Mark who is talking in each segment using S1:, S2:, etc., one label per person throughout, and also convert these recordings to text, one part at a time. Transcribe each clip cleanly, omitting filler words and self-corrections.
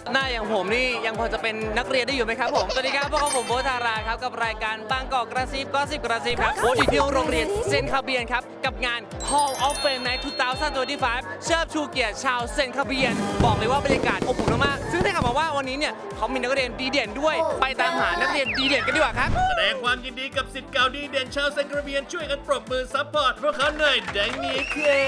S1: หน้าอย่างผมนี่ยังพอจะเป็นนักเรียนได้อยู่ไหมครับผมสวัสดีครับพวกผมโบ๊ทธาราครับกับรายการบางกอกกระซิบก็สิบกระซิบครับโบ๊ทอยู่ที่โรงเรียนเซนต์คาเบียนครับกับงาน Hall of Fame Night 2025 เชิดชูเกียรติชาวเซนต์คาเบียนบอกเลยว่าบรรยากาศอบอุ่นมากๆซึ่งได้ข่าวมาว่าวันนี้เนี่ยเขามีนักเรียนดีเด่นด้วยไปตามหานักเรียนดีเด่นกันดีกว่าครับ
S2: แสดงความยินดีกับศิษย์เก่าดีเด่นชาวเซนต์คาเบียนช่วยกันปรบมือซัพพอร์ตพวกเขาหน่อยได้ไหมครับ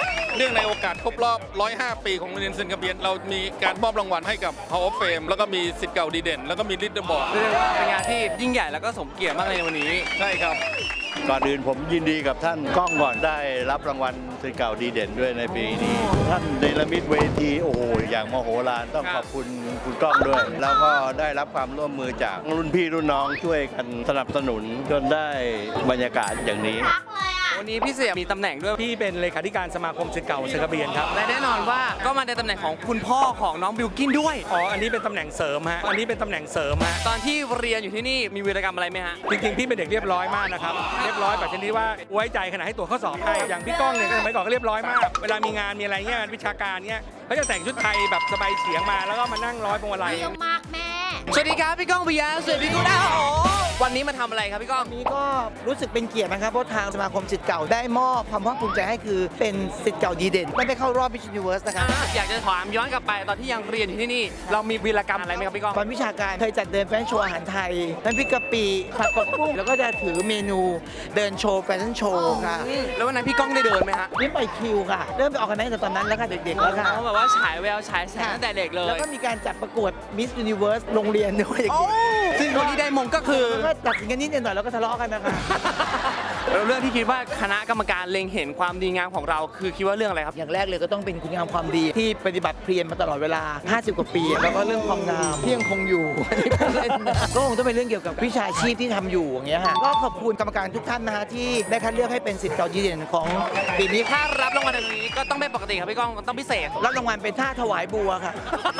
S3: เนื่องในโอกาสครบรอบ 105 ปีของโรงเรียนเซนต์คาเบียนเรามีการมอบรางวัลให้กับ Hall of Fame แล้วก็มีศิษย์เก่าดีเด่น แล้วก็มีลิดเดอร์บอร์ด
S1: เรียกว่าเป็นงานที่ยิ่งใหญ่แล้วก็สมเกียรติมากเลยในวันนี้
S3: ใช่ครับ
S4: ก่อนอื่นผมยินดีกับท่านก้องก่อนได้รับรางวัลศิษย์เก่าดีเด่นด้วยในปีนี้ ท่านเนรมิตเวทีโอ้โหอย่างมโหฬารต้องขอบคุณคุณก้องด้วย แล้วก็ได้รับความร่วมมือจากรุ่นพี่รุ่นน้องช่วยกันสนับสนุนจนได้บรรยากาศอย่างนี้
S1: วันนี้พี่เสียมีตำแหน่งด้วย
S5: พี่เป็นเลขาธิการสมาคมศิษย์เก่าเซนต์คาเบียนครับ
S1: และแน่นอนว่าก็มาในตำแหน่งของคุณพ่อของน้องบิลกินด้วย
S5: อ๋อ อันนี้เป็นตำแหน่งเสริมฮะ อันนี้เป็นตำแหน่งเสริมฮะ
S1: ตอนที่เรียนอยู่ที่นี่มีวีรกรรมอะไรไหมฮะ
S5: จริงๆ พี่เป็นเด็กเรียบร้อยมากนะครับ เรียบร้อยแบบชนิดว่าไว้ใจขนาดให้ตัวจข้อสอบให้ อย่างพี่ก้องเนี่ยก็สมัยก่อนก็เรียบร้อยมาก เวลามีงานมีอะไรเงี้ยวิชาการเงี้ยเขาจะแต่งชุดไทยแบบสบายเฉียงมาแล้วก็มานั่งร้อยพวงมาลัย
S6: เยี่ยมมากแม่
S1: สวัสดีครับพี่ก้องปิยะสวัสดีคุณดาววันนี้มาทำอะไรครับพี่ก้อง
S7: นี้ก็รู้สึกเป็นเกียรตินะครับเพราะทางสมาคมศิษย์เก่าได้มอบความภาคภูมิใจให้คือเป็นศิษย์เก่าดีเด่นไม่ได้เข้ารอบ Miss Universe นะครับ
S1: อยากจะถามย้อนกลับไปตอนที่ยังเรียนอยู่ที่นี่ เรามีวีรกรรมอะไรไหมครับพี่ก้อง
S7: ตอนวิชาการเคยจัดเดินแฟชั่นโชว์อาหารไทยน้ำพริกกะปิผัดผักบุ้งแล้วก็จะถือเมนูเดินโชว์แฟชั่นโชว์ค่ะ
S1: แล้ววันนั้นพี่ก้องได้เดินไหมฮะ
S7: นี่ไปคิวค่ะ เริ่มไปออกกันตั้งแต่ตอนนั้นแล้วค่ะเด็กๆแล้วค่ะ
S1: เขาแบบว่าฉายแววฉายแสงตั้งแต่เด็กเล
S7: แล้ว
S1: ย
S7: ก็มีการจัดประกวด Miss Universe โรงเรียนด้วยเด็ก
S1: ซึ่งคนที่ได้มงก็คือ
S7: ๆแล้วก็ตัดสินกันนิดหน่อยแล้วก็ทะเลาะกันนะคะ
S1: แล้วเรื่องที่คิดว่าคณะกรรมการเล็งเห็นความดีงามของเราคือคิดว่าเรื่องอะไรครับ
S7: อย่างแรกเลยก็ต้องเป็นคุณงามความดีที่ปฏิบัติเพียรมาตลอดเวลา 50 กว่าปี แล้วก็เรื่องความงามที่ยังคงอยู่อันนี้พูดเล่นนะก็คงต้องเป็นเรื่องเกี่ยวกับวิชาชีพที่ทำอยู่อย่างเงี้ยฮะก็ขอบคุณกรรมการทุกท่านนะฮะที่ได้คัดเลือกให้เป็นศิษย์เก่าดีเด่นของปีนี้
S1: ถ้ารับรางวัลในวันนี้ก็ต้องไม่ปกติครับพี่ก้องต้องพิเศษ
S7: รับรางวัลเป็นท่าถวายบัวค่ะ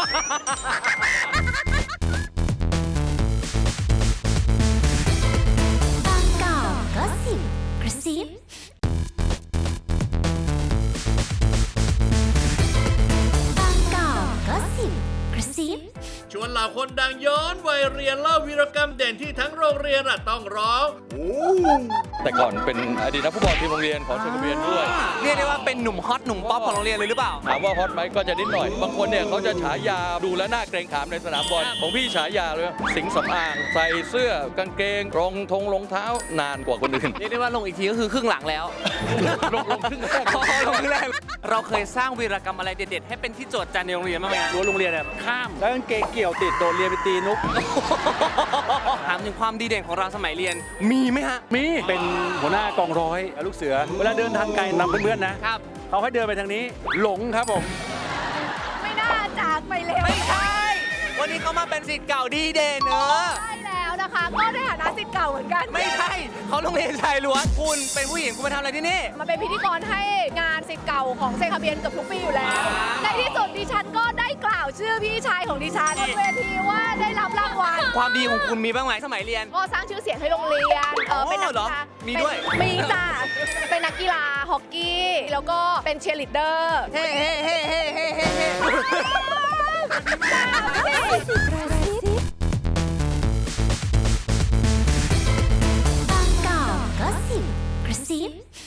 S6: บางกอกก็สิบกระซิบางกอกก็สิบกระซิบ
S2: ชวนเหล่าคนดังย้อนวัยเรียนเล่าวีรกรรมเด่นที่ทั้งโรงเรียนต้องร้อง
S3: แต่ก่อนเป็นอดีตนักฟุตบอลทีมโรงเรียนของเซนต์คาเบียนด้วย
S1: เรียกได้ว่าเป็นหนุ่มฮอตหนุ่มป๊อปของโรงเรียนเลยหรือเปล่า
S3: ถามว่าฮอตไหมก็จะนิดหน่อย บางคนเนี่ยเขาจะฉายาดูแลวหน้าเกรงขามในสนามบอลของพี่ฉายาเลยสิงห์สำอางใส่เสื้อกางเกงรองเท้านานกว่าคนอื่น
S1: เรียกได้ว่าลงอีกทีก็คือครึ่งหลังแล้ว
S3: ลงครึ่งแรก
S1: ลงครึ่งแรกเราเคยสร้างวีรกรรมอะไรเด็ดๆให้เป็นที่โจทย์จันในโรงเรียนบ้างไหมฮะ
S5: รั้วโรงเรียนเนี่ยข้าม แล้วกางเกงเกี่ยวติดโดนเรียนไปตีนุก
S1: ถามถึงความดีเด่นของเราสมัยเรียนมีไหมฮะ
S5: มีเป็นหัวหน้ากองร้อยลูกเสือ เวลาเดินทางไกลนำเพื่อนๆนะ
S1: ครับ
S5: เขาให้เดินไปทางนี้ หลงครับผม
S6: ไม่น่าจากไปเร็ว
S1: ไม่ใช่ วันนี้เขามาเป็นศิษย์เก่าดีเด่น
S6: ใช่แล้วนะคะ ก็ในฐานะศิษย์เก่าเหมือนกัน
S1: ไม่ใช่เขาโรงเรียนชายล้วนคุณเป็นผู้หญิงคุณมาทำอะไรที่นี่
S6: มาเป็นพิธีกรให้งานศิษย์เก่าของเซนต์คาเบียนเกือบทุกปีอยู่แล้ว ในที่สุดดิฉันก็ได้กล่าวชื่อพี่ชายของดิฉันบนเวทีว่าได้รับรางวัล
S1: ความดีของคุณมีบ้างไหมสมัยเรียน
S6: ก็สร้างชื่อเสียงให้โรงเรียนเป็นนัก
S1: เหร
S6: กี
S1: อ
S6: ฬา
S1: มีด้วย
S6: มีจ้ะเป็นนักกีฬาฮอกกี้ แล้วก็เป็นเชียร์ลีดเดอร์
S1: เฮ้เฮ้เฮ้เฮ้เฮ้เฮ้เฮ้
S6: บางกอกก็สิบกระซิบ